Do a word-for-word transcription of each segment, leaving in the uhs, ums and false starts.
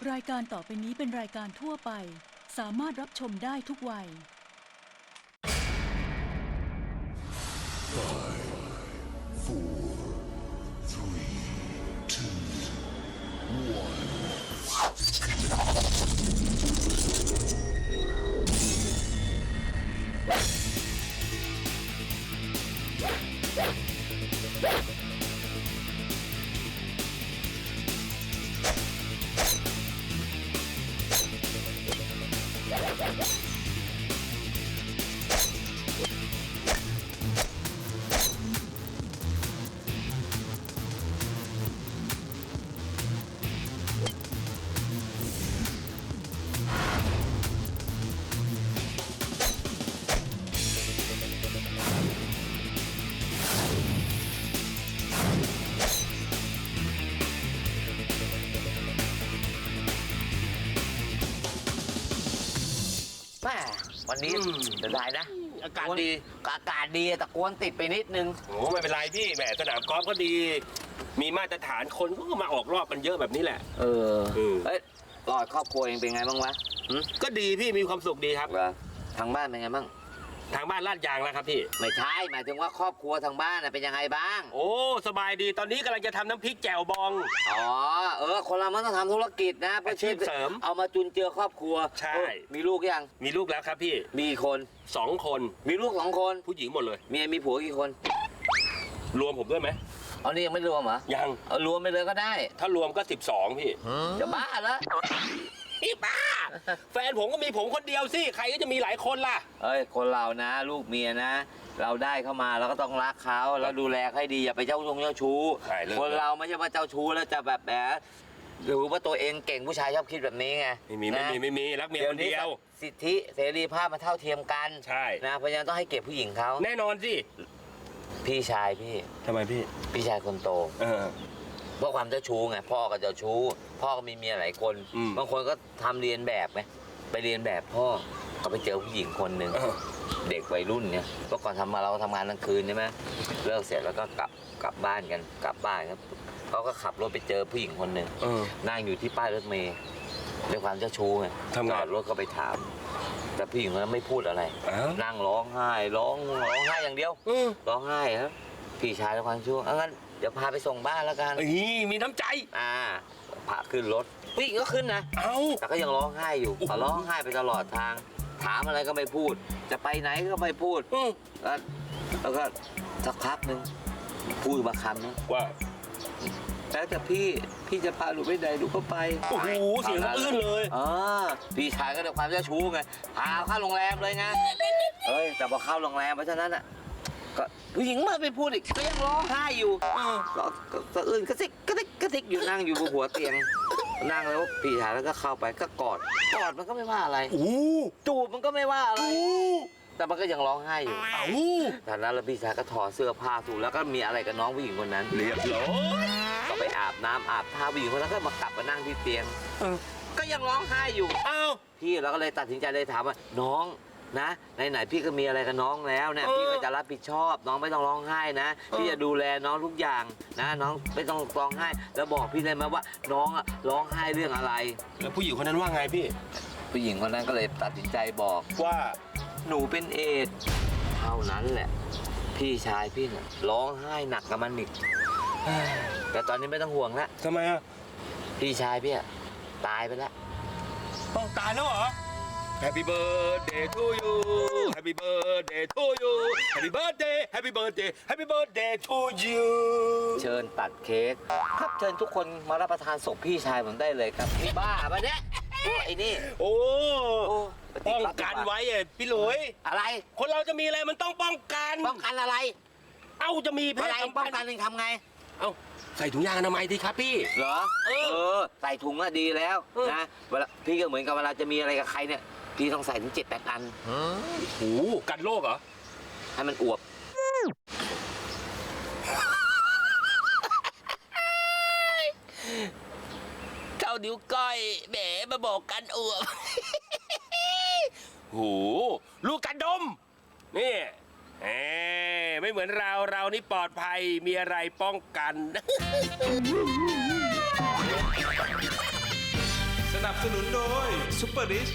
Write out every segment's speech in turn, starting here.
รายการต่อไปนี้เป็นรายการทั่วไปสามารถรับชมได้ทุกวัยวันนี้จะได้นะอากาศดีอากาศดีแต่กวนติดไปนิดนึงโอ้ไม่เป็นไรพี่แหมสนามกอล์ฟก็ดีมีมาตรฐานคนก็มาออกรอบกันเยอะแบบนี้แหละเออเอ้ยรอดครอบครัวเองเป็นไงบ้างวะก็ดีพี่มีความสุขดีครับทางบ้านเป็นไงบ้างทางบ้านลาดยางแล้วครับพี่ไม่ใช่หมายถึงว่าครอบครัวทางบ้านเป็นยังไงบ้างโอ้สบายดีตอนนี้กำลังจะทำน้ำพริกแจ่วบองอ๋อเออคนเรามันต้องทำธุรกิจนะเพื่อชีพเสริมเอามาจุนเจือครอบครัวใช่มีลูกยังมีลูกแล้วครับพี่มีคนสองคนมีลูกสองคนผู้หญิงหมดเลยเมียมีผัวกี่คนรวมผมด้วยไหมเอานี่ยังไม่รวมเหรอยังเอารวมไปเลยก็ได้ถ้ารวมก็สิบสองพี่จะบ้าเหรอพี่บ้าแฟนผมก็มีผมคนเดียวสิใครก็จะมีหลายคนล่ะเอ้ยคนเรานะลูกเมียนะเราได้เข้ามาเราก็ต้องรักเขาแล้วดูแลให้ดีอย่าไปเจ้าชงเจ้าชู้คนเราไม่ใช่ว่าเจ้าชู้แล้วจะแบบแบบหรือว่าตัวเองเก่งผู้ชายชอบคิดแบบนี้ไงไม่มีไม่มีไม่มีรักเมียคนเดียวสิทธิเสรีภาพมันเท่าเทียมกันใช่นะเพราะฉะนั้นต้องให้เกียรติผู้หญิงเขาแน่นอนสิพี่ชายพี่ทำไมพี่พี่ชายคนโตเออเพราะความเจ้าชู้ไงพ่อก็เจ้าชู้พ่อก็มีเมียหลายคนบางคนก็ทำเรียนแบบไงไปเรียนแบบพ่อก็ไปเจอผู้หญิงคนหนึ่งเด็กวัยรุ่นเนี่ยเมื่อก่อนทำมาเราทำงานกลางคืนใช่ไหมเลิกเสร็จแล้วก็กลับกลับบ้านกันกลับบ้านครับเขาก็ขับรถไปเจอผู้หญิงคนหนึ่งนั่งอยู่ที่ป้ายรถเมล์ด้วยความเจ้าชู้ไงจอดรถก็ไปถามแต่ผู้หญิงคนนั้นไม่พูดอะไรนั่งร้องไห้ร้องร้องไห้อย่างเดียวร้องไห้ครับพี่ชายด้วยความชั่วงั้นเดี๋ยวพาไปส่งบ้านแล้วกันมีน้ำใจอ่าพาขึ้นรถผู้หญิงก็ขึ้นนะเอ้าแต่ก็ยังร้องไห้อยู่แต่ร้องไห้ไปตลอดทางถามอะไรก็ไม่พูดจะไปไหนก็ไม่พูดแล้วแล้วก็สักพักหนึ่งพูดมาคำนะว่าแล้วแต่พี่พี่จะพาหนูไปไหนหนูก็ไปโอ้โหเสียงอื้นเลยอ๋อพี่ชายก็ด้วยความเจ้าชู้ไงพาเข้าโรงแรมเลยไงเอ้ยแต่พอเข้าโรงแรมเพราะฉะนั้นอ่ะก็ผู้หญิงมาไปพูดอีกก็ยังร้องไห้อยู่ก็สะอื้นกระซิกกระซิกกระซิกอยู่นั่งอยู่บนหัวเตียงนั่งแล้วพี่ชายแล้วก็เข้าไปก็กอดกอดมันก็ไม่ว่าอะไรจูบมันก็ไม่ว่าอะไรแต่มันก็ยังร้องไห้อยู่จากนั้นแล้วพี่ชายก็ถอดเสื้อผ้าสูแล้วก็มีอะไรกับน้องผู้หญิงคนนั้นเรียบร้อยก็ไปอาบน้ำอาบท่าผู้หญิงคนนั้นก็มากลับมานั่งที่เตียงก็ยังร้องไห้อยู่อ้าวพี่เราก็เลยตัดสินใจเลยถามว่าน้องนะไหนๆพี่ก็มีอะไรกับน้องแล้วเนี่ยพี่ก็จะรับผิดชอบน้องไม่ต้องร้องไห้นะพี่จะดูแลน้องทุกอย่างนะน้องไม่ต้องร้องไห้แล้วบอกพี่เลยไหมว่าน้องอะร้องไห้เรื่องอะไรแล้วผู้หญิงคนนั้นว่าไงพี่ผู้หญิงคนนั้นก็เลยตัดสินใจบอกว่าหนูเป็นเอดส์เท่านั้นแหละพี่ชายพี่เนี่ยร้องไห้หนักกับมันอีกแต่ตอนนี้ไม่ต้องห่วงแล้วทำไมอ่ะพี่ชายพี่ตายไปแล้วตายแล้วเหรอHappy birthday to you Happy birthday to you Happy birthday Happy birthday Happy birthday to you เชิญตัดเค้กครับเชิญทุกคนมารับประทานศพพี่ชายผมได้เลยครับพี่บ้าปะเนี่ยไอ้นี่โอ้ป้องกันไว้ไอ้พี่หลุยอะไรคนเราจะมีอะไรมันต้องป้องกันป้องกันอะไรเอ้าจะมีเพศสัมพันธ์ป้องกันทำไงเอ้าใส่ถุงยางอนามัยดีครับพี่เหรอเออใส่ถุงอะดีแล้วนะเวลาพี่ก็เหมือนกับเวลาจะมีอะไรกับใครเนี่ยพี่ต้องใส่ถึงเจ็ดแปดอันโอ้โหกันโรคเหรอให้มันอวบเท่านิ้วก้อยแหมมาบอกกันอวบโหลูกกันดมนี่เอ้ไม่เหมือนเราเรานี่ปลอดภัยมีอะไรป้องกันสสนุนโดยซุปเปอร์ดิช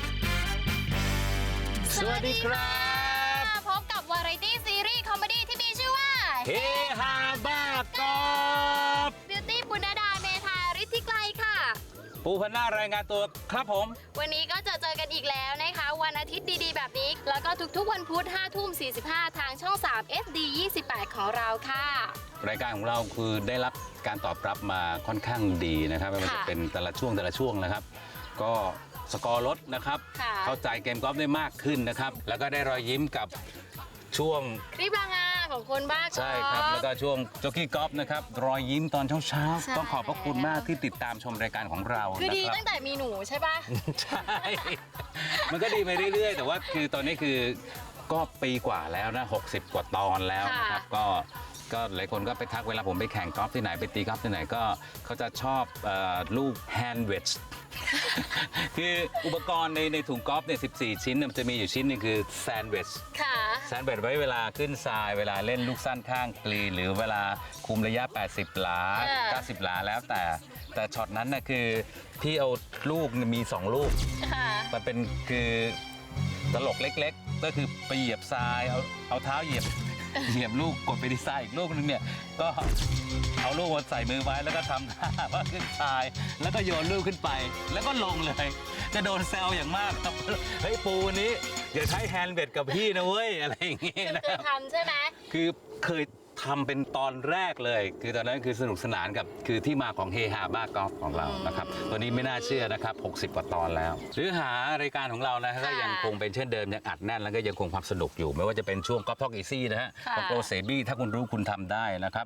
สวัสดีครับพบกับวาไรตี้ซีรีส์คอมเมดี้ที่มีชื่อว่าเฮฮาบ้ากอบบิวตี้ปุณดาเมธาฤทธิไกลค่ะปูพันหน้ารายงานตัวครับผมวันนี้ก็จะเจอกันอีกแล้วนะคะ วันอาทิตย์ดีๆ แบบนี้ แล้วก็ทุกๆวันพุธห้าทุ่มสี่สิบห้าทางช่อง สาม เอส ดี ยี่สิบแปด ของเราค่ะรายการของเราคือได้รับการตอบรับมาค่อนข้างดีนะครับไม่ว่าจะเป็นแต่ละช่วงแต่ละช่วงนะครับ ก็สกอร์ลดนะครับค่ะเข้าใจเกมกอล์ฟได้มากขึ้นนะครับ แล้วก็ได้รอยยิ้มกับช่วงคลิปรางงานของคนบ้าใช่ครับ แล้วก็ช่วงโจกี้กอล์ฟนะครับรอยยิ้มตอนเช้าใช่ๆต้องขอบพระคุณมากที่ติดตามชมรายการของเราคือดีนะครัตั้งแต่มีหนูใช่ปะใช่ มันก็ดีไปเรื่อยๆ แต่ว่าคือตอนนี้คือก็ปีกว่าแล้วนะหกสิบกว่าตอนแล้วนะครับ ก็ก็หลายคนก็ไปทักเวลาผมไปแข่งกอล์ฟที่ไหนไปตีกอล์ฟที่ไหนก็เขาจะชอบเออลูกแฮนด์เวด คืออุปกรณ์ในในถุงกอล์ฟเนี่ยสิบสี่ ชิ้นเนี่ยมันจะมีอยู่ชิ้นหนึงคือแซนด์วิชค่ะแซนด์วิชไว้เวลาขึ้นทรายเวลาเล่นลูกสั้นข้างกรีนหรือเวลาคุมระยะ แปดสิบ หลาเออเก้าสิบ หลาแล้วแต่แต่ช็อตนั้นน่ะคือพี่เอาลูกมีสองลูกค่ะมันเป็นคือตลกเล็กๆ ก็คือไปเหยียบทรายเอาเอาเท้าเหยียบ เหยียบลูกกดไปที่ทรายอีกลูกนึงเนี่ยก็เอาลูกมาใส่มือไว้แล้วก็ทำท่าว่าขึ้นทรายแล้วก็โยนลูกขึ้นไป แล้วก็ลงเลย จะโดนแซวอย่างมากครับเฮ้ยปูวันนี้อย่าใช้แฮนด์เบดกับพี่นะเว้ยอะไรอย่างเงี้ยนะคืคอรับทำใช่ไหมคือเคยทำเป็นตอนแรกเลย คือตอนนั้นคือสนุกสนานกับคือที่มาของเฮฮาบ้ากอล์ฟของเรานะครับตัวนี้ไม่น่าเชื่อนะครับหกสิบกว่าตอนแล้ว หรือหารายการของเรานะก็ยังคงเป็นเช่นเดิมยังอัดแน่นแล้วก็ยังคงความสนุกอยู่ ไม่ว่าจะเป็นช่วงกอล์ฟท็อกอีซี่นะฮะค่ะของโปรเซบี้ถ้าคุณรู้คุณทำได้นะครับ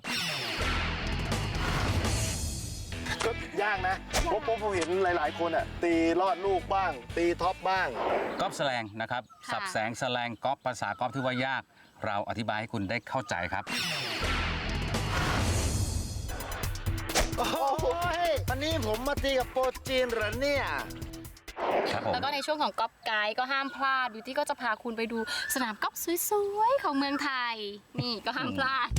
ก็ยากนะผมผมผมเห็นหลาย ๆ คนอ่ะตีลอดลูกบ้าง ตีท็อปบ้างกอล์ฟแสลงนะครับค่ะสับแสงแสลงกอล์ฟภาษากอล์ฟที่ว่ายาก เราอธิบายให้คุณได้เข้าใจครับโอ้โหวันนี้ผมมาตีกับโปรจีนเหรอเนี่ยครับผมแล้วก็ในช่วงของก๊อฟไกด์ก็ห้ามพลาดบิวตี้ก็จะพาคุณไปดูสนามก๊อฟสวยๆของเมืองไทย นี่ก็ห้ามพลาด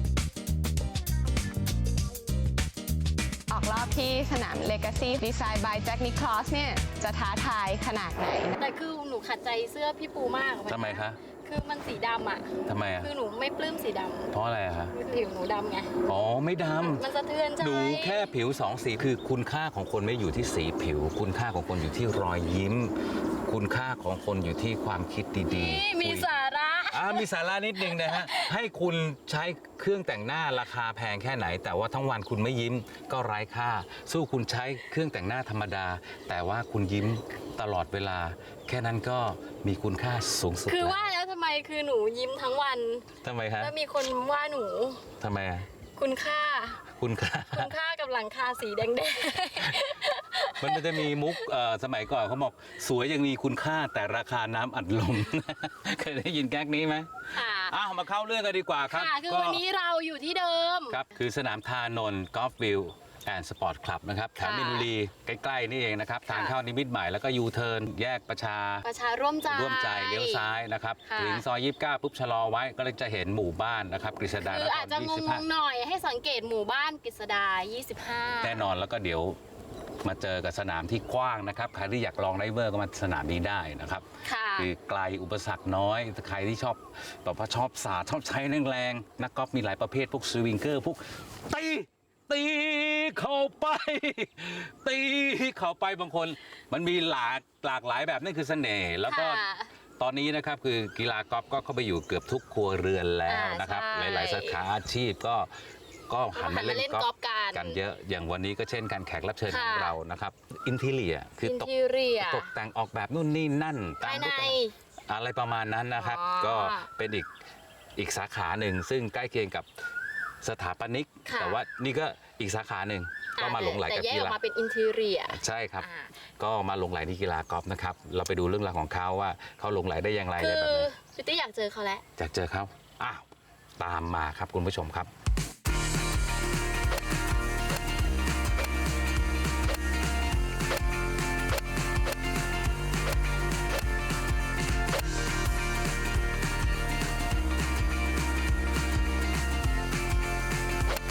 ออกรอบที่สนาม Legacy Design by Jack Nicklaus เนี่ยจะท้าทายขนาดไหนแต่คือหนูขัดใจเสื้อพี่ปูมากทำไมคะคือมันสีดำอ่ะทำไมอ่ะคือหนูไม่ปลื้มสีดเพราะอะไรอะคะำผิวหนูดำไงอ๋อไม่ดำมันสะเทือนใจหนูแค่ผิวสองสีคือคุณค่าของคนไม่อยู่ที่สีผิว คุณค่าของคนอยู่ที่รอยยิ้ม คุณค่าของคนอยู่ที่ความคิดดีนี่ๆมีคุยสาระอ่ามีสาระนิดนึงนะฮะ ให้คุณใช้เครื่องแต่งหน้าราคาแพงแค่ไหน แต่ว่าทั้งวันคุณไม่ยิ้มก็ไร้ค่า สู้คุณใช้เครื่องแต่งหน้าธรรมดา แต่ว่าคุณยิ้มตลอดเวลา แค่นั้นก็มีคุณค่าสูงสุดคือแล้วว่าแล้วทำไมคือหนูยิ้มทั้งวันทำไมฮะแล้วมีคนว่าหนูทำไมอะคุณค่าคุณค่าคุณค่ากับหลังคาสีแดงมันจะมีมุกเอ่อสมัยก่อนเขาบอกสวยยังมีคุณค่าแต่ราคาน้ำอัดลม เคยได้ยินแก๊กนี้ไหมๆค่ะอ้าวมาเข้าเรื่องกันดีกว่าครับค่ะ คือวันนี้เราอยู่ที่เดิมครับคือสนามทานนท์กอล์ฟวิวแอนด์สปอร์ตคลับนะครับแถวค่ะมินบุรีใกล้ๆนี่เองนะครับค่ะทางเข้านิมิตรใหม่แล้วก็ยูเทิร์นแยกประชาประชาร่วมใจร่วมใจเลี้ยวซ้ายนะครับค่ะถึงซอยยี่สิบเก้าปุ๊บชะลอไว้ก็จะเห็นหมู่บ้านนะครับกฤษดาคืออาจจะงยี่สิบห้างๆหน่อยให้สังเกตหมู่บ้านกฤษดา ยี่สิบห้าแน่นอนแล้วก็เดี๋ยวมาเจอกับสนามที่กว้างนะครับใครที่อยากลองไดเวอร์ก็มาสนามนี้ได้นะครับค่ะคือไกลอุปสรรคน้อยใครที่ชอบแบบว่าชอบสาดชอบใช้แรงๆนักกอล์ฟมีหลายประเภทพวกสวิงเกอร์พวกตีตีเข้าไป ตีเข้าไปบางคน มันมีหลากหลากหลายแบบนั่นคือเสน่ห์แล้วก็ค่ะตอนนี้นะครับคือกีฬากอล์ฟก็เข้าไปอยู่เกือบทุกครัวเรือนแล้วนะครับอ่าใช่หลายๆสาขาอาชีพก็ก็หันมาเล่นหันมาเล่นกอล์กอล์ฟฟกันกันเยอะอย่างวันนี้ก็เช่นการแขกรับเชิญค่ะของเรานะครับอินทีเลียคืออินตกทีเรียตกแต่งออกแบบนู่นนี่นั่นตาภาม ยในรูปแบบอะไรประมาณนั้นนะครับอ๋อก็เป็นอีกอีกสาขาหนึ่งซึ่งใกล้เคียงกับสถาปนิกค่ะแต่ว่านี่ก็อีกสาขาหนึ่งก็มาหลงไหลแต่กับแยกกีออกฬามาเป็นอินทีเรียใช่ครับอ่าก็มาหลงไหลที่กีฬากอล์ฟนะครับเราไปดูเรื่องราวของเขาว่าเขาหลงไหลได้อย่างไรคือะไรอแบบไหนบิวตี้อยากเจอเขาแล้วอยากเจอเขาอ้าวตามมาครับคุณผู้ชมครับ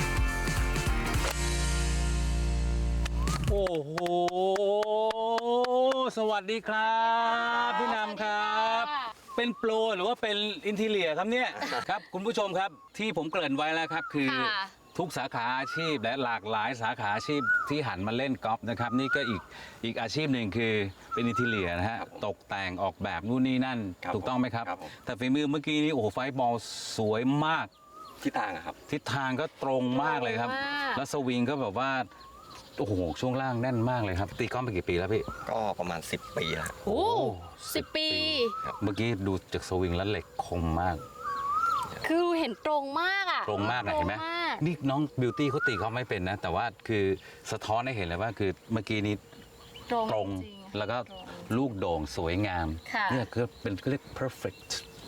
โอ้โหสวัสดีครับพี่นำครับ เป็นโปรหรือว่าเป็นอินทีเลียครับเนี่ย ครับคุณผู้ชมครับที่ผมเกริ่นไว้แล้วครับคือค่ะทุกสาขาอาชีพและหลากหลายสาขาอาชีพที่หันมาเล่นกอล์ฟนะครับนี่ก็อีกอีกอาชีพหนึ่งคือเป็นอินทีเลียนะฮะตกแต่งออกแบบนู่นนี่นั่นครับถูกต้องไหมครับครับผมแต่ฝีมือเมื่อกี้นี้โอ้โหไฟบอลสวยมากทิศทางอะครับทิศทางก็ตรงมากเลยครับตรงมากแล้วสวิงก็แบบว่าโอ้โหช่วงล่างแน่นมากเลยครับตีกอล์ฟมากี่ปีแล้วพี่ก็ประมาณสิบปีแล้วโอ้สิบปีเมื่อกี้ดูจากสวิงแล้วเหล็กคมมากคือเห็นตรงมากอ่ะตรงมากนะเห็นไหมตรงากนี่น้องบิวตี้เขาตีเขาไม่เป็นนะ แต่ว่าคือสะท้อนให้เห็นเลยว่าคือเมื่อกี้นี้ตรงตรงจริงๆแล้วก็ตรงลูกโด่งสวยงามค่ะเนี่ยคือเป็นเขาเรียก perfect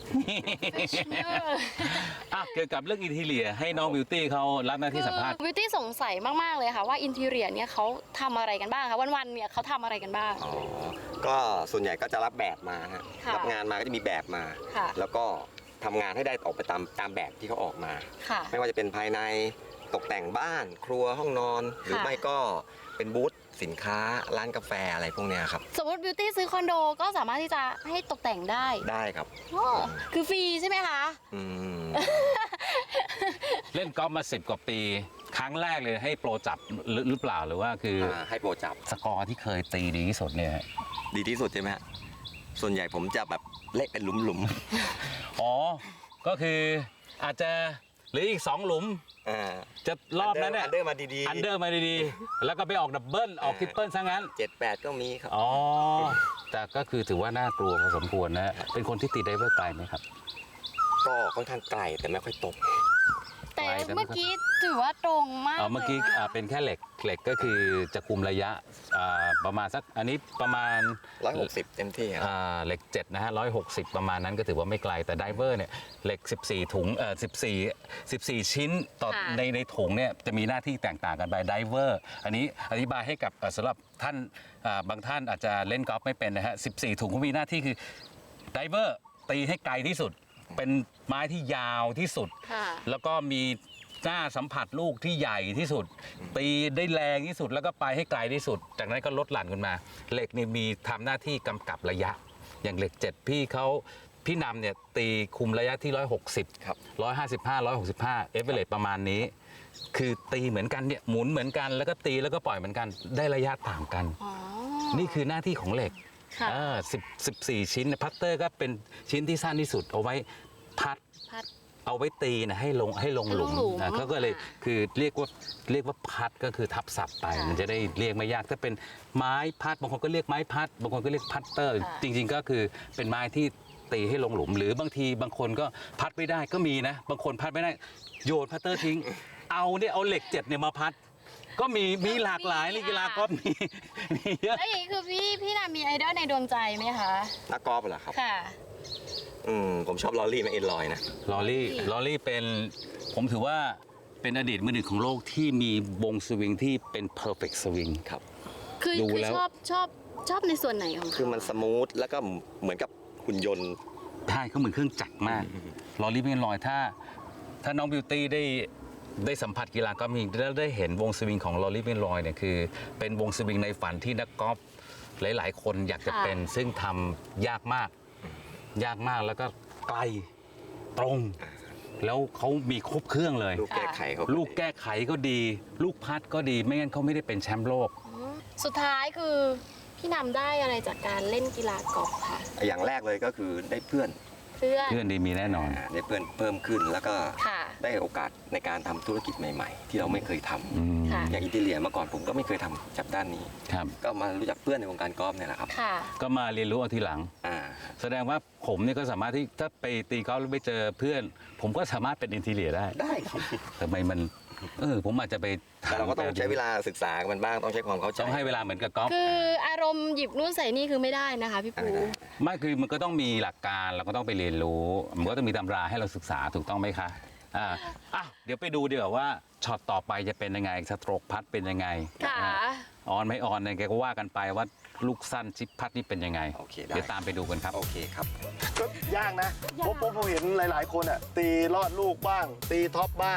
อ่ะเกี่ยวกับเรื่องอินทีเลียให้น้องบิวตี้เขารับหน้าที่สัมภาษณ์วิวตี้สงสัยมาก ๆ เลยค่ะว่าอินทีเรียเนี่ยเขาทำอะไรกันบ้างคะวันๆเนี่ยเขาทำอะไรกันบ้างอ๋อ ก็ส่วนใหญ่ก็จะรับแบบมาฮะค่ะรับงานมาก็จะมีแบบมาค่ะแล้วก็ทำงานให้ได้ออกไปตามตามแบบที่เขาออกมาค่ะไม่ว่าจะเป็นภายในตกแต่งบ้าน ครัวห้องนอน หรือค่ะไม่ก็เป็นบูธสินค้าร้านกาแฟอะไรพวกเนี้ยครับสมมติบิวตี้ซื้อคอนโดก็สามารถที่จะให้ตกแต่งได้ได้ครับอ๋อคือฟรีใช่ไหมคะอืมเล่นกอล์ฟมาสิบกว่าปี ครั้งแรกเลยให้โปรจับหรือหรือเปล่าหรือว่าคือออ่าให้โปรจับสกอร์ที่เคยตีดีที่สุดเนี่ยดีที่สุดใช่ไหมฮะ ส่วนใหญ่ผมจะแบบเละเป็นหลุมอ๋อ ก็คืออาจจะเหรืออีกสองหลุมๆอ่าจะรอบนั้นเนี่ยอันเดอร์มาดีๆอันเดอร์มาดีๆ แล้วก็ไปออกดับเบิลออกทริปเปิลซะงั้นเจ็ดแปดก็มีครับอ๋อ แต่ก็คือถือว่าน่ากลัวพอสมควรนะ เป็นคนที่ตีไดเวอร์ไกลไหมครับก็ค่อนข้างไกลแต่ไม่ค่อยตกแต่ไปแต่ไม่เมื่อกี้ถือว่าตรงมากเอ่อเมื่อกี้ลยะอ่าเป็นแค่เหล็ก เหล็กก็คือจะคุมระยะอ่าประมาณสัก อันนี้ประมาณร้อยหกสิบเต็มที่ครับอ่าเหล็กเจ็ดนะฮะร้อยหกสิบประมาณนั้นก็ถือว่าไม่ไกล แต่ไดเวอร์เนี่ย เหล็ก สิบสี่ ถุง เอ่อ สิบสี่ สิบสี่ ชิ้นต่อค่ะในในถุงเนี่ยจะมีหน้าที่แตกต่างกันไปไดเวอร์ อันนี้อธิบายให้กับเอ่อสำหรับท่านอ่าบางท่านอาจจะเล่นกอล์ฟไม่เป็นนะฮะ สิบสี่ ถุงเขามีหน้าที่คือไดเวอร์ตีให้ไกลที่สุด เป็นไม้ที่ยาวที่สุดค่ะแล้วก็มีหน้าสัมผัสลูกที่ใหญ่ที่สุด ตีได้แรงที่สุดแล้วก็ไปให้ไกลที่สุด จากนั้นก็ลดหลั่นขึ้นมา เหล็กนี่มีทำหน้าที่กำกับระยะ อย่างเหล็กเจ็ดพี่เขาพี่นำเนี่ยตีคุมระยะที่ร้อยหกสิบครับร้อยห้าสิบห้าร้อยหกสิบห้าเอเวอเรสประมาณนี้ คือตีเหมือนกันเนี่ยหมุนเหมือนกันแล้วก็ตีแล้วก็ปล่อยเหมือนกันได้ระยะต่างกันอ๋อนี่คือหน้าที่ของเหล็กค่ะอ่าสิบสิบสี่ชิ้นพัตเตอร์ก็เป็นชิ้นที่สั้นที่สุดเอาไว้พัดพัดเอาไว้ตีนะให้ลงให้ลงหลุมให้ลงหลุมอ่ะเขาก็เลยค่ะคือเรียกว่าเรียกว่าพัดก็คือทับศัพท์ไปค่ะมันจะได้เรียกไม่ยากถ้าเป็นไม้พัดบางคนก็เรียกไม้พัด บางคนก็เรียกพัตเตอร์ค่ะจริง ๆ ก็คือเป็นไม้ที่ตีให้ลงหลุม หรือบางทีบางคนก็พัดไม่ได้ก็มีนะ บางคนพัดไม่ได้โยนพัตเตอร์ทิ้ง เอาเนี่ยเอาเหล็กเจ็ดเนี่ยมาพัด ก็มีมีหลากหลายเลยกีฬากอล์ฟมีมีเยอะแล้วอย่างนี้คือพี่พี่นามีไอดอลในดวงใจไหมคะนักกอล์ฟเหรอครับค่ะอืมผมชอบลอรี่มาเอ็นลอยนะลอรี่ลอรี่เป็นผมถือว่าเป็นอดีตมือหนึ่งของโลกที่มีวงสวิงที่เป็น perfect swing ครับคือดูคือแล้วชอบชอบชอบในส่วนไหนของคือเขามันสมูทแล้วก็เหมือนกับหุ่นยนต์ใช่เขาเหมือนเครื่องจักรมากลอรี่เป็นลอยถ้า ถ้าน้องบิวตี้ได้ได้สัมผัสกีฬากอล์ฟจริงแล้วได้เห็นวงสวิงของลอรี่เป็นลอยเนี่ยคือเป็นวงสวิงในฝันที่นักกอล์ฟหลาย ๆ คนอยากจะเป็นซึ่งทำยากมาก ยากมากแล้วก็ไกลตรง แล้วเขามีครบเครื่องเลยลูกแก้ไขเขาลูกแก้ไขก็ดี ลูกพัดก็ดีไม่งั้นเขาไม่ได้เป็นแชมป์โลกอ๋อสุดท้ายคือพี่นำได้อะไรจากการเล่นกีฬากอล์ฟค่ะอย่างแรกเลยก็คือได้เพื่อนเพื่อนเพื่อนดีมีแน่นอนอ่าได้เพื่อนเพิ่มขึ้นแล้วก็ค่ะได้โอกาสในการทำธุรกิจใหม่ ๆ ที่เราไม่เคยทำอืมค่ะอย่างอินเทียเมื่อก่อนผมก็ไม่เคยทำจากด้านนี้ครับก็มารู้จักเพื่อนในวงการกอล์ฟเนี่ยแหละครับค่ะก็มาเรียนรู้เอาทีหลังอ่าแสดงว่าผมเนี่ยก็สามารถที่ถ้าไปตีกอล์ฟแล้วไปเจอเพื่อน ผมก็สามารถเป็นอินทีเลียได้ได้ครับทำไมมันเออผมอาจจะไปแต่เราก็ต้องใช้เวลาศึกษากับมันบ้างต้องใช้ความเข้าใจต้องให้เวลาเหมือนกับกอล์ฟคืออารมณ์หยิบนู่นใส่นี่คือไม่ได้นะคะพี่ปูไม่คือมันก็ต้องมีหลักการเราก็ต้องไปเรียนรู้ มันก็ต้องมีตำราให้เราศึกษาถูกต้องไหมคะอ่าอ่ะเดี๋ยวไปดูดีกว่าว่าช็อตต่อไปจะเป็นยังไงสโตรกพัดเป็นยังไงค่ะนะฮะออนไม่ออนเนี่ยแกก็ว่ากันไปว่าลูกสั้นชิปพัดนี่เป็นยังไงโอเคได้เดี๋ยวตามไปดูกันครับโอเคครับก็ยากนะผมผมผมเห็นหลาย ๆ คนอ่ะตีลอดลูกบ้าง ตีท็อปบ้าง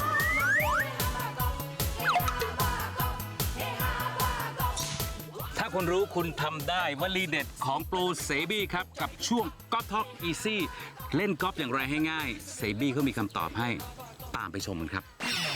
ถ้าคุณรู้คุณทำได้วลีเด็ดของโปรเซบี้ครับ กับช่วงกอล์ฟท็อกอีซี่เล่นกอล์ฟอย่างไรให้ง่ายเซบี้เขามีคำตอบให้ตามไปชมกันครับ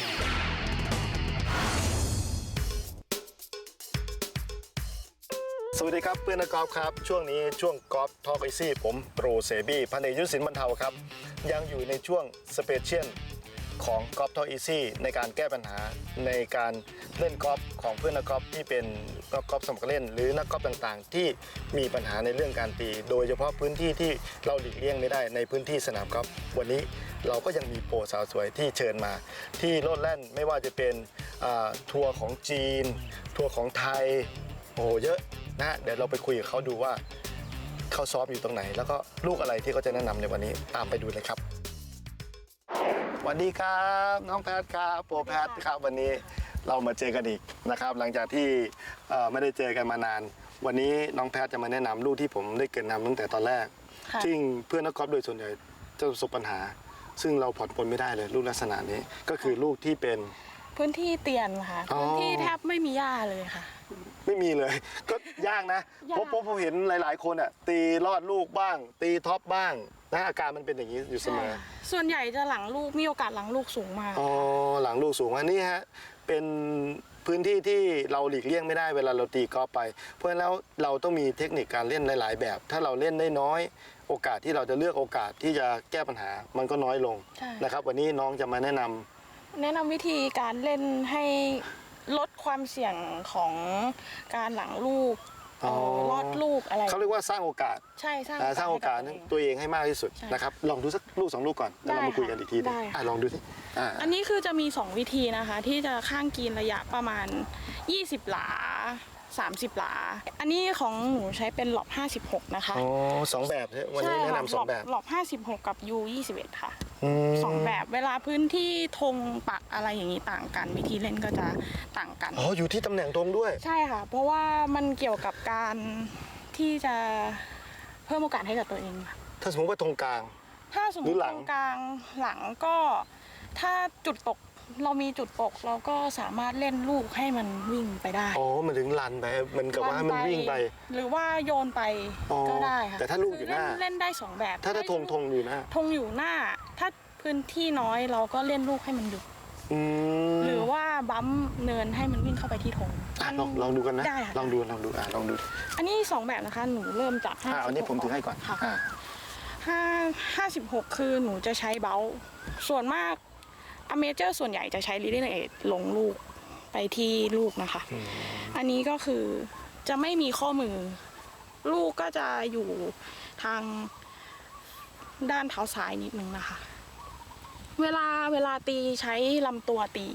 สวัสดีครับเพื่อนนักกอล์ฟครับช่วงนี้ช่วงกอล์ฟทอล์กไอซี่ผมโปรเซบี้พันเอกยุทธศิลป์บรรเทาครับยังอยู่ในช่วงสเปเชียลของกอล์ฟทอล์กอีซี่ในการแก้ปัญหาในการเล่นกอล์ฟของเพื่อนนักกอล์ฟที่เป็นนักกอล์ฟสมัครเล่นหรือนักกอล์ฟต่างๆที่มีปัญหาในเรื่องการตีโดยเฉพาะพื้นที่ที่เราหลีกเลี่ยงไม่ได้ในพื้นที่สนามกอล์ฟวันนี้เราก็ยังมีโปรสาวสวยที่เชิญมาที่โลดแล่นไม่ว่าจะเป็นทัวร์ของจีนทัวร์ของไทยโอ้เยอะนะเดี๋ยวเราไปคุยกับเขาดูว่าเขาซ้อมอยู่ตรงไหนแล้วก็ลูกอะไรที่เขาจะแนะนำในวันนี้ตามไปดูเลยครับสวัสดีครับน้องแพทครับโปรแพทครับวันนี้เรามาเจอกันอีกนะครับหลังจากที่ไม่ได้เจอกันมานานวันนี้น้องแพทจะมาแนะนำลูกที่ผมได้เกริ่นนำตั้งแต่ตอนแรกซึ่งเพื่อนนักกอล์ฟโดยส่วนใหญ่จะประสบปัญหาซึ่งเราผ่อนปลนไม่ได้เลยลูกลักษณะนี้ก็คือลูกที่เป็นพื้นที่เตียนค่ะพื้นที่แทบไม่มีหญ้าเลยค่ะไม่มีเลยก็ยากนะผมผมผมเห็นหลายๆคนอ่ะตีลอดลูกบ้าง ตีท็อปบ้างนะอาการมันเป็นอย่างนี้อยู่เสมอส่วนใหญ่จะหลังลูกมีโอกาสหลังลูกสูงมากอ๋อหลังลูกสูงอันนี้ฮะเป็นพื้นที่ที่เราหลีกเลี่ยงไม่ได้เวลาเราตีกอล์ฟไปเพราะฉะนั้นแล้วเราต้องมีเทคนิคการเล่นหลายๆแบบถ้าเราเล่นได้น้อยโอกาสที่เราจะเลือกโอกาสที่จะแก้ปัญหามันก็น้อยลงนะครับวันนี้น้องจะมาแนะนำแนะนำวิธีการเล่นให้ลดความเสี่ยงของการหลังลูกลอดลูกอะไรเขาเรียกว่าสร้างโอกาสใช่สร้างสร้างโอกาสตัวเองให้มากที่สุดนะครับลองดูสักลูกสองลูกก่อนแล้วเรามาคุยกันอีกทีได้ลองดูสิอันนี้คือจะมีสองวิธีนะคะที่จะข้างกินระยะประมาณยี่สิบหลาสามสิบหลาอันนี้ของหนูใช้เป็นหลอบห้าสิบหกนะคะอ๋อสองแบบวันนี้แนะนำสองแบบหลอบห้าสิบหกกับ ยู ยี่สิบเอ็ด ค่ะสองแบบเวลาพื้นที่ธงปักอะไรอย่างนี้ต่างกันวิธีเล่นก็จะต่างกันอ๋ออยู่ที่ตำแหน่งธงด้วยใช่ค่ะเพราะว่ามันเกี่ยวกับการที่จะเพิ่มโอกาสให้กับตัวเองถ้าสมมติว่าธงกลางถ้าสมมติธงกลางหลังก็ถ้าจุดตกเรามีจุดตกเราก็สามารถเล่นลูกให้มันวิ่งไปได้อ๋อมันถึงลันไปมันกับว่ามันวิ่งไปหรือว่าโยนไปก็ได้ค่ะแต่ถ้าลูกอยู่หน้าเล่นได้สองแบบถ้าถ้าธงธงอยู่หน้าธงอยู่หน้าถ้าพื้นที่น้อยเราก็เล่นลูกให้มันหยุดหรือว่าบัมเนินให้มันวิ่งเข้าไปที่ธงลองลองดูกันนะลองดูลองดูอ่ะลองดูอันนี้สองแบบนะคะหนูเริ่มจากห้าอันนี้ผมถือให้ก่อนค่ะห้าห้าสิบหกคือหนูจะใช้เบลส่วนมากอเมเจอร์ส่วนใหญ่จะใช้ leading edge ลงลูกไปที่ลูกนะคะอันนี้ก็คือจะไม่มีข้อมือลูกก็จะอยู่ทางด้านเท้าซ้ายนิดนึงนะคะเวลาเวลาตีใช้ลำตัวตี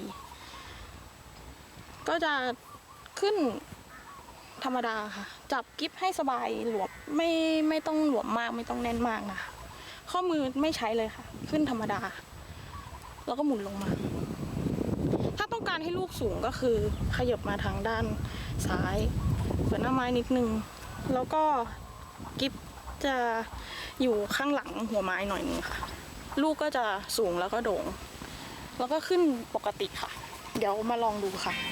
ก็จะขึ้นธรรมดาค่ะจับกิ๊บให้สบายหลวมไม่ไม่ต้องหลวมมากไม่ต้องแน่นมากนะคะข้อมือไม่ใช้เลยค่ะขึ้นธรรมดาแล้วก็หมุนลงมาถ้าต้องการให้ลูกสูงก็คือขยับมาทางด้านซ้ายเปิดหน้าไม้นิดนึงแล้วก็กิ๊บจะอยู่ข้างหลังหัวไม้หน่อยนึงค่ะลูกก็จะสูงแล้วก็โด่งแล้วก็ขึ้นปกติค่ะเดี๋ยวมาลองดูค่ะ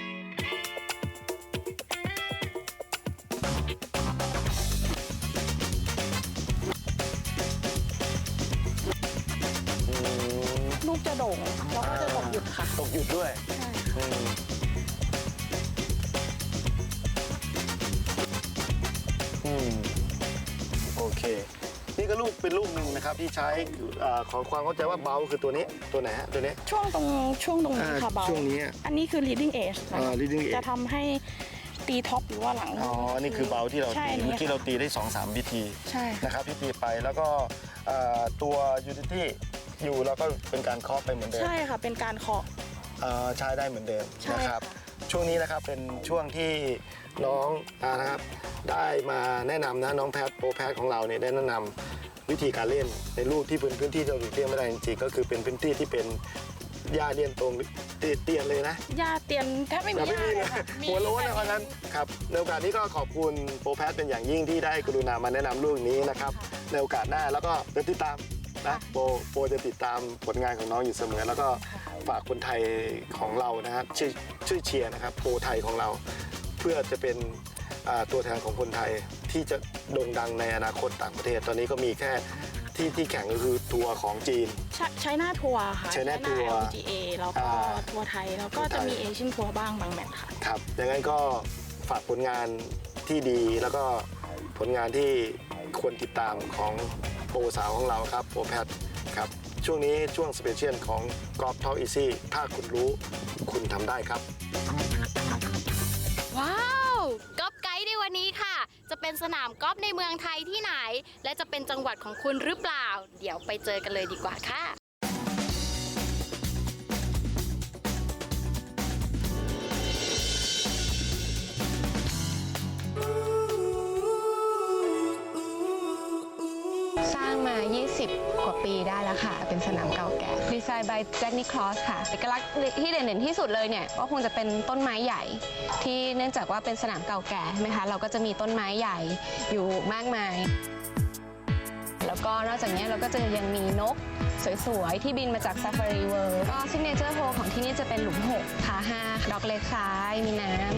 ลูกจะโด่งแล้วก็จะตกหยุดค่ะตกหยุดด้วยโอเคนี่ก็ลูกเป็นลูกหนึ่งนะครับที่ใช้ขอความเข้าใจว่าเบาคือตัวนี้ตัวไหนฮะตัวนี้ช่วงตรงช่วงตรงนี้ค่ะเบาช่วงนี้อันนี้คือ leading edge จะทำให้ตีท็อปหรือว่าหลังอ๋อนี่คือเบาที่เราตีเมื่อกี้เราตีได้ สองสาม วิธีนะครับที่ตีไปแล้วก็ตัว utility อยู่แล้วก็เป็นการเคาะไปเหมือนเดิมใช่ค่ะเป็นการเคาะใช้ได้เหมือนเดิมนะครับช่วงนี้นะครับเป็นช่วงที่น้องนะครับได้มาแนะนำนะน้องแพทโปรแพทของเราเนี่ยได้แนะนำวิธีการเล่นในลูกที่เป็นพื้นที่ที่เราหลีกเลี่ยงไม่ได้จริงๆก็คือเป็นพื้นที่ที่เป็นหญ้าเตียนตรงเตียนเลยนะหญ้าเตียนแทบไม่มีหญ้าเลยหัวโล้นนะเพราะนั้นครับในโอกาสนี้ก็ขอบคุณโปรแพทเป็นอย่างยิ่งที่ได้กรุณามาแนะนำลูกนี้นะครับในโอกาสหน้าแล้วก็เดี๋ยวติดตามนะโปรโปรจะติดตามผลงานของน้องอยู่เสมอแล้วก็ฝากคนไทยของเรานะครับช่วยช่วยเชียร์นะครับโปรไทยของเราเพื่อจะเป็นอ่าตัวแทนของคนไทยที่จะโด่งดังในอนาคตต่างประเทศ ตอนนี้ก็มีแค่ที่ที่แข่งก็คือทัวร์ของจีนใช้ใช้หน้าทัวร์ค่ะ China Tour แอล จี เอ แล้วก็อ่าทัวร์ไทย แล้วก็จะมีเอเชียนทัวร์บ้างบางแมตช์ค่ะครับดังนั้นก็ฝากผลงานที่ดีแล้วก็ผลงานที่ควรติดตามของโปรสาวของเราครับโปรแพทครับช่วงนี้ช่วงสเปเชียลของกอล์ฟทอล์กอีซี่ถ้าคุณรู้คุณทำได้ครับว้าวกอล์ฟไกด์ในวันนี้ค่ะ จะเป็นสนามกอล์ฟในเมืองไทยที่ไหน และจะเป็นจังหวัดของคุณหรือเปล่า เดี๋ยวไปเจอกันเลยดีกว่าค่ะสร้างมา ยี่สิบ กว่าปีได้แล้วค่ะ เป็นสนามเก่าแก่ ดีไซน์ by Jack Nicklaus ค่ะเอกลักษณ์ที่เด่นๆที่สุดเลยเนี่ย ก็คงจะเป็นต้นไม้ใหญ่ ที่เนื่องจากว่าเป็นสนามเก่าแก่ใช่ไหมคะ เราก็จะมีต้นไม้ใหญ่อยู่มากมาย แล้วก็นอกจากนี้เราก็จะยังมีนกสวยๆ ที่บินมาจาก Safari World ก็ Signature Hole ของที่นี่จะเป็นหลุมหกพาห้าดอกเล็กซ้ายมีน้ำ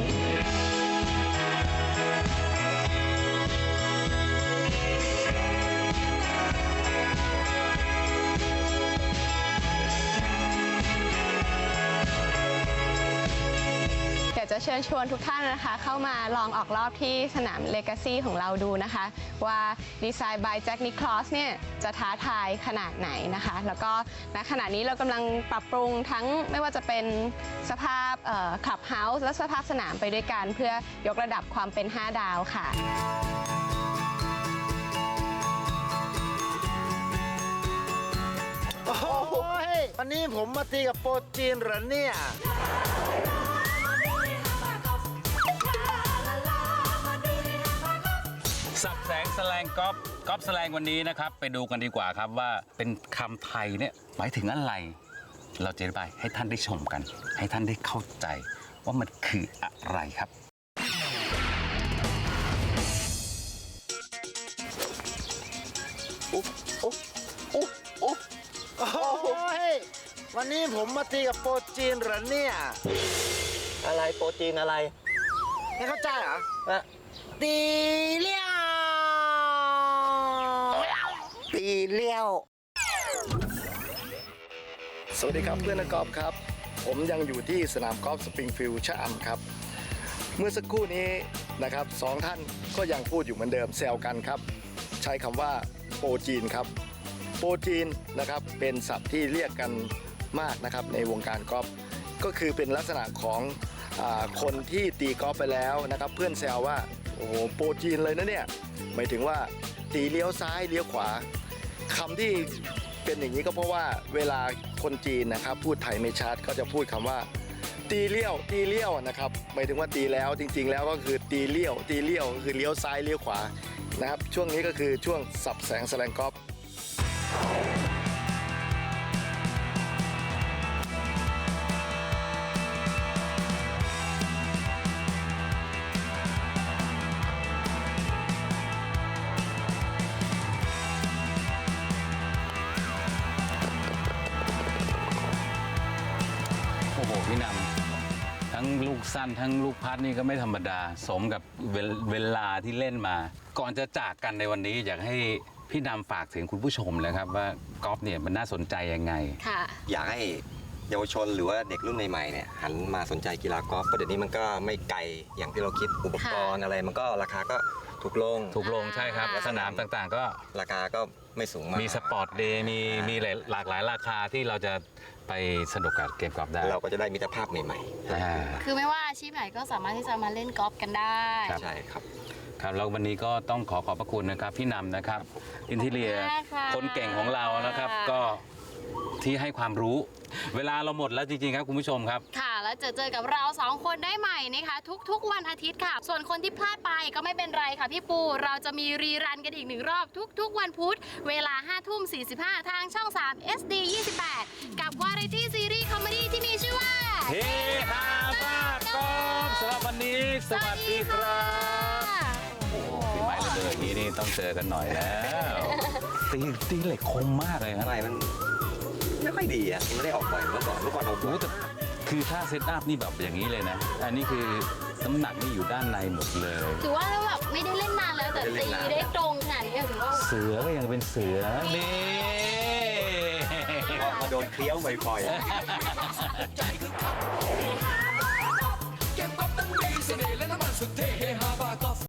อยากจะเชิญชวนทุกท่านนะคะ เข้ามาลองออกรอบที่สนาม Legacy ของเราดูนะคะ ว่าดีไซน์ by Jack Nicklaus เนี่ยจะท้าทายขนาดไหนนะคะ แล้วก็ณขณะนี้เรากำลังปรับปรุงทั้งไม่ว่าจะเป็นสภาพคลับเฮาส์และสภาพสนามไปด้วยกัน เพื่อยกระดับความเป็นห้าดาวค่ะโอ้โหวันนี้ผมมาตีกับโปรจีนเหรอเนี่ยสับแสงแสลงก๊อฟก๊อฟแสลงวันนี้นะครับ ไปดูกันดีกว่าครับว่าเป็นคำไทยเนี่ยหมายถึงอะไร เราจะอธิบายให้ท่านได้ชมกัน ให้ท่านได้เข้าใจว่ามันคืออะไรครับโอ้โหวันนี้ผมมาตีกับโปรจีนเหรอเนี่ยอะไรโปรจีนอะไรไม่เข้าใจเหรออะตีเลี้ยวตีเลี้ยวสวัสดีครับเพื่อนนักกอล์ฟครับ ผมยังอยู่ที่สนามกอล์ฟสปริงฟิลด์ชะอำครับ เมื่อสักครู่นี้นะครับสองท่านก็ยังพูดอยู่เหมือนเดิมแซวกันครับ ใช้คำว่าโปรจีนครับโปรจีนนะครับเป็นศัพท์ที่เรียกกันมากนะครับในวงการกอล์ฟก็คือเป็นลักษณะของอาคนที่ตีกอล์ฟไปแล้วนะครับเพื่อนแซวว่าโอ้โหโปรจีนเลยนะเนี่ยหมายถึงว่าตีเลี้ยวซ้ายเลี้ยวขวาคำที่เป็นอย่างนี้ก็เพราะว่าเวลาคนจีนนะครับพูดไทยไม่ชัดก็จะพูดคำว่าตีเลี้ยวตีเลี้ยวนะครับหมายถึงว่าตีแล้วจริงๆแล้วก็คือตีเลี้ยวตีเลี้ยวก็คือเลี้ยวซ้ายเลี้ยวขวานะครับช่วงนี้ก็คือช่วงสับแสงแสลงกอล์ฟโอ้โหพี่นำทั้งลูกสั้นทั้งลูกพัดนี่ก็ไม่ธรรมดาสมกับเวลเวลาที่เล่นมา ก่อนจะจากกันในวันนี้อยากให้พี่นำฝากถึงคุณผู้ชมเลยครับว่ากอล์ฟเนี่ยมันน่าสนใจยังไงค่ะอยากให้เยาวชนหรือว่าเด็กรุ่นใหม่ๆเนี่ยหันมาสนใจกีฬากอล์ฟเพราะเดี๋ยวนี้มันก็ไม่ไกลอย่างที่เราคิดอุปกรณ์อะไรมันก็ราคาก็ถูกลงถูกลงใช่ครับอ่าสนามต่างๆ ก็ราคาก็ไม่สูงมากมีสปอร์ตเดย์มีมีหลายหลากหลายราคาที่เราจะไปสนุกกับเกมกอล์ฟได้เราก็จะได้มิตรภาพใหม่อ่าคือไม่ว่าอาชีพไหนก็สามารถที่จะมาเล่นกอล์ฟกันได้ๆใช่ครับครับแล้ววันนี้ก็ต้องขอขอบพระคุณนะครับพี่นำนะครับอินทิเลียขอบคุณมากค่ะคนเก่งของเรานะครับ ก็ที่ให้ความรู้ เวลาเราหมดแล้วจริงๆครับคุณผู้ชมครับค่ะ แล้วเจอเจอกับเราสองคนได้ใหม่นะคะ ทุกๆวันอาทิตย์ค่ะ ส่วนคนที่พลาดไปก็ไม่เป็นไรค่ะพี่ปู เราจะมีรีรันกันอีกหนึ่งรอบทุกๆวันพุธเวลาห้าทุ่มสี่สิบห้าทางช่อง สาม เอส ดี ยี่สิบแปด กับวาไรตี้ซีรีส์คอมเมดี้ที่มีชื่อว่าเฮฮาบ้ากอล์ฟสำหรับวันนี้ สวัสดีครับโอ้โหพี่ไม้ระเบิดนี้นี่ต้องเจอกันหน่อยแล้วตีตีเหล็กคมมากเลยครับทำไมมันไม่ค่อยดีอ่ะมันไม่ได้ออกบ่อยเมื่อก่อนเมื่อก่อนออกบ่โอ้อยแต่คือถ้าเซตอัพนี่แบบอย่างนี้เลยนะ อันนี้คือน้ำหนักนี่อยู่ด้านในหมดเลยถือว่าแล้วแบบไม่ได้เล่นนานแล้วแต่ตีได้ตรงขนาดนี้ถือว่าเสือก็ยังเป็นเสือนี่มาโดนเคี้ยวบ่อยๆ